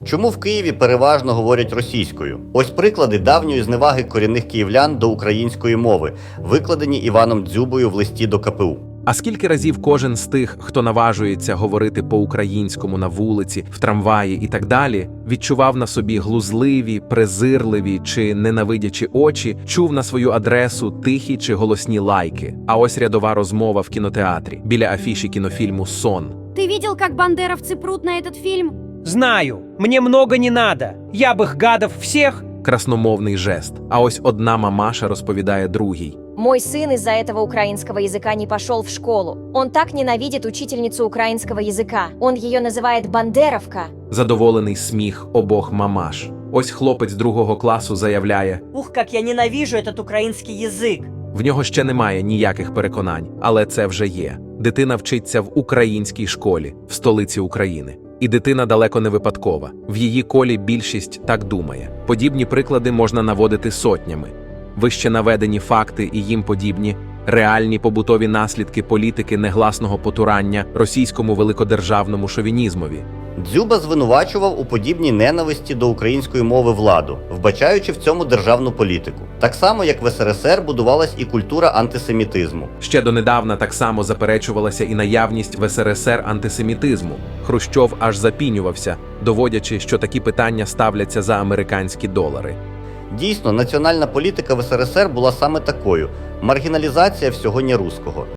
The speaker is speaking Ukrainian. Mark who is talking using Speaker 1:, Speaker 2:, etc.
Speaker 1: Чому в Києві переважно говорять російською? Ось приклади давньої зневаги корінних київлян до української мови, викладені Іваном Дзюбою в листі до КПУ.
Speaker 2: А скільки разів кожен з тих, хто наважується говорити по-українському на вулиці, в трамваї і так далі, відчував на собі глузливі, презирливі чи ненавидячі очі, чув на свою адресу тихі чи голосні лайки. А ось рядова розмова в кінотеатрі, біля афіші кінофільму «Сон».
Speaker 3: Ты видел, как бандеровцы прут на этот фильм?
Speaker 4: Знаю, мне много не надо. Я бы их гадов всех...
Speaker 2: Красномовний жест. А ось одна мамаша розповідає другій.
Speaker 5: Мой сын из-за этого украинского языка не пошел в школу. Он так ненавидит учительницу украинского языка. Он ее называет «бандеровка».
Speaker 2: Задоволений сміх обох мамаш. Ось хлопець другого класу заявляє:
Speaker 6: Ух, как я ненавижу этот украинский язык.
Speaker 2: в нього ще немає ніяких переконань, але це вже є. Дитина вчиться в українській школі, в столиці України. І дитина далеко не випадкова. В її колі більшість так думає. Подібні приклади можна наводити сотнями. Вище наведені факти і їм подібні – реальні побутові наслідки політики негласного потурання російському великодержавному шовінізмові.
Speaker 1: Дзюба звинувачував у подібній ненависті до української мови владу, вбачаючи в цьому державну політику. Так само, як в СРСР будувалась і культура антисемітизму.
Speaker 2: Ще донедавна так само заперечувалася і наявність в СРСР антисемітизму. Хрущов аж запінювався, доводячи, що такі питання ставляться за американські долари.
Speaker 1: Дійсно, національна політика в СРСР була саме такою – маргіналізація всього неруського.